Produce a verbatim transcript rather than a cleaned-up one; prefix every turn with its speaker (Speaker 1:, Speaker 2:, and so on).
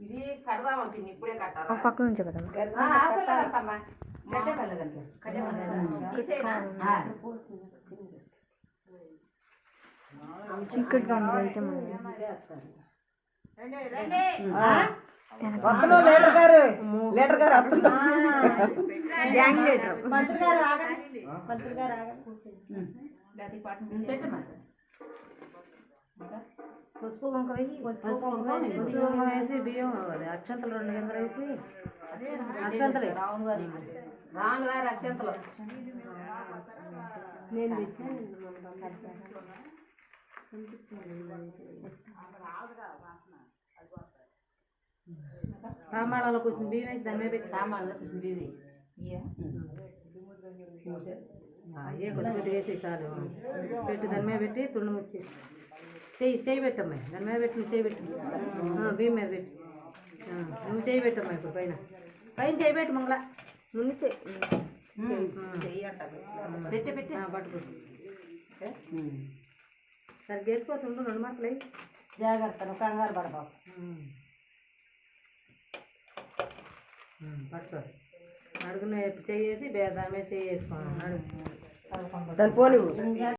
Speaker 1: ఇది కడదామంటుంది ఇప్పుడే కట్టాలి
Speaker 2: పక్క నుంచే కదా చీకటిగా ఉంది అయితే
Speaker 3: వస్తున్నా లీటర్ గారు లీటర్ గారు వస్తున్నా
Speaker 2: మంత్రి గారు
Speaker 3: మంత్రి గారు
Speaker 2: పసుపు కుంకుమ వేసి పసుపు కుంకుమ వేసి బియ్యం అక్షంతలు రెండు గింజలు వేసి అక్షంతలు
Speaker 1: రావును గారి రాను గారి అక్షంతలు
Speaker 2: నేను తామాళాలో కొంచెం బియ్యం వేసి దాని మీద పెట్టి
Speaker 1: సామాన్లు కొంచెం బియ్యం
Speaker 2: ఏ కొద్దిగా వేసి చాలు పెట్టి దాని మీద పెట్టి తుండు మూసి చెయ్యి చెయ్యి పెట్టమ్మా దాని మీద పెట్టి నువ్వు చెయ్యి పెట్టు బియ్యం మీద పెట్టి నువ్వు చెయ్యి పెట్టమ్మా ఇప్పుడు పైన పైన చెయ్యి పెట్టు మంగళ ముందు చెయ్యి
Speaker 1: పెట్టి పెట్టి
Speaker 2: పట్టుకో సరిగ్గా వేసుకోతుండు రెండు మాటలు
Speaker 3: జాగ్రత్త కంగారు పడబాబు
Speaker 2: పట్టుకో అడుగున చెయ్యేసి దాని మీద చెయ్యి వేసుకోవాలి అడుగు
Speaker 3: దాని పోనీ